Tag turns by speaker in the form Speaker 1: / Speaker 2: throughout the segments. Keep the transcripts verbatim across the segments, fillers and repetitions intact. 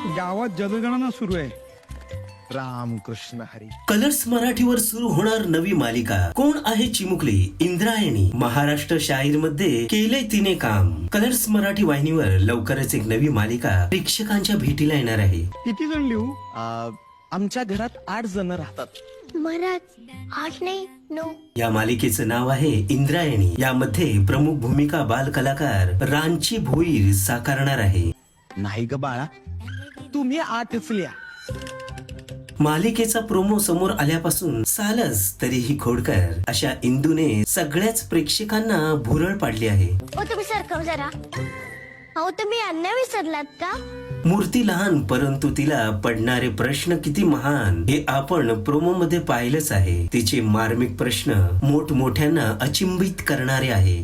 Speaker 1: गावात जनगणना सुरू आहे. रामकृष्ण हरी.
Speaker 2: कलर्स मराठीवर सुरू होणार नवी मालिका. कोण आहे चिमुकली? इंद्रायणी. महाराष्ट्र शाहीर मध्ये केलंय तिने काम. कलर्स मराठी वाहिनीवर लवकरच एक नवी मालिका प्रेक्षकांच्या भेटीला येणार आहे.
Speaker 1: किती जण लिहू?
Speaker 3: आमच्या घरात आठ जण राहतात.
Speaker 4: मराठ आठ नाही नऊ.
Speaker 2: या मालिकेचं नाव आहे इंद्रायणी. यामध्ये प्रमुख भूमिका बाल कलाकार रांची भोईर साकारणार आहे.
Speaker 3: नाही ग बाळा, तुम्ही आठच लिहा.
Speaker 2: मालिकेचा प्रोमो समोर आल्यापासून सालच तरीही खोडकर अशा इंदूने सगळ्याच प्रेक्षकांना भुरळ पाडली आहे.
Speaker 4: ओ तुम्ही सरकव जरा. अहो तुम्ही अन्न विसरलात का?
Speaker 2: मूर्ती लहान परंतु तिला पडणारे प्रश्न किती महान हे आपण प्रोमो मध्ये पाहिलंच आहे. तिचे मार्मिक प्रश्न मोठमोठ्यांना अचिंबित करणारे आहे.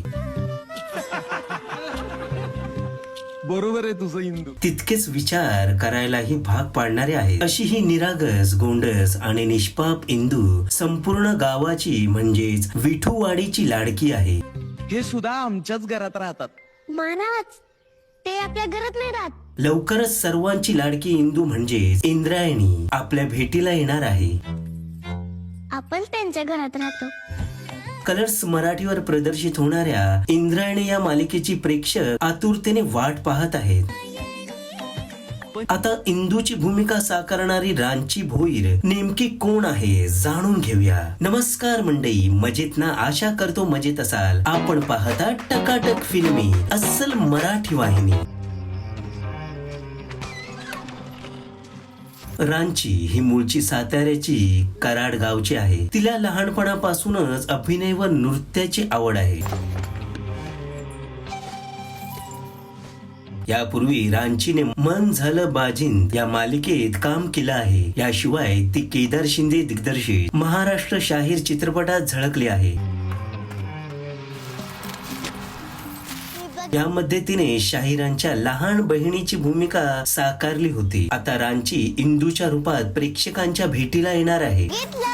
Speaker 3: बरोबर आहे तुझं इंदू.
Speaker 2: तितकेच विचार करायलाही भाग पाडणारे आहे. अशी ही निरागस, गोंडस आणि निष्पाप इंदू संपूर्ण गावाची म्हणजेच विठूवाडीची लाडकी आहे.
Speaker 3: हे सुद्धा आमच्याच घरात राहतात.
Speaker 4: महाराज ते आपल्या घरात नाही राहत.
Speaker 2: लवकरच सर्वांची लाडकी इंदू म्हणजेच इंद्रायणी आपल्या भेटीला येणार आहे.
Speaker 4: आपण त्यांच्या घरात राहतो.
Speaker 2: कलर्स मराठीवर प्रदर्शित होणाऱ्या इंद्रायणी या मालिकेची प्रेक्षक आतुरतेने वाट पाहत आहेत. आता इंदूची भूमिका साकारणारी रांची भोईर नेमकी कोण आहे जाणून घेऊया. नमस्कार मंडळी, मजेत ना? आशा करतो मजेत असाल. आपण पाहता टकाटक फिल्मी, अस्सल मराठी वाहिनी. रांची ही मूळची साताऱ्याची कराड गावची आहे. तिला लहानपणापासूनच अभिनय व नृत्याची आवड आहे. यापूर्वी रांचीने मन झालं बाजिंद या मालिकेत काम केलं आहे. याशिवाय ती केदार शिंदे दिग्दर्शित महाराष्ट्र शाहीर चित्रपटात झळकली आहे. यामध्ये तिने शाहिरांच्या लहान बहिणीची भूमिका साकारली होती. आता रांची इंदूच्या रूपात प्रेक्षकांच्या भेटीला येणार आहे.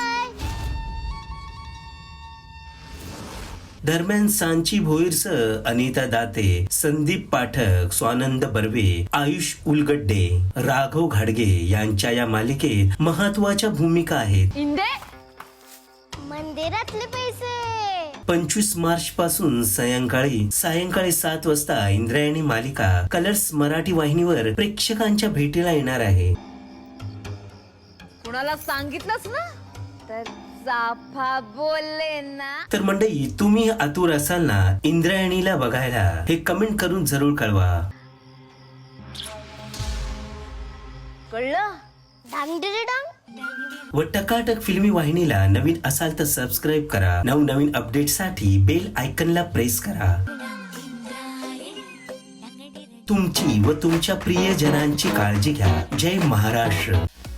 Speaker 2: दरम्यान सांची भोईरसह अनिता दाते, संदीप पाठक, स्वानंद बर्वे, आयुष उलगड्डे, राघव घाडगे यांच्या या मालिकेत महत्वाच्या भूमिका आहेत.
Speaker 4: मंदिरातले पैसे.
Speaker 2: पंचवीस मार्च पासून सायंकाळी सायंकाळी सात वाजता इंद्रायणी मालिका कलर्स मराठी वाहिनीवर प्रेक्षकांच्या भेटीला येणार आहे.
Speaker 5: कुणाला सांगितलंच ना तर साफा बोलले ना.
Speaker 2: तर मंडळी, तुम्ही आतुर असाल ना इंद्रायणीला बघायला? हे कमेंट करून जरूर कळवा.
Speaker 4: कळलं? डांग डिरे डांग.
Speaker 2: व टकाटक फिल्मी वाहिनीला नवीन असाल तर सबस्क्राईब करा. नवनवीन अपडेट साठी बेल आयकनला प्रेस करा. तुमची व तुमच्या प्रियजनांची काळजी घ्या. जय महाराष्ट्र.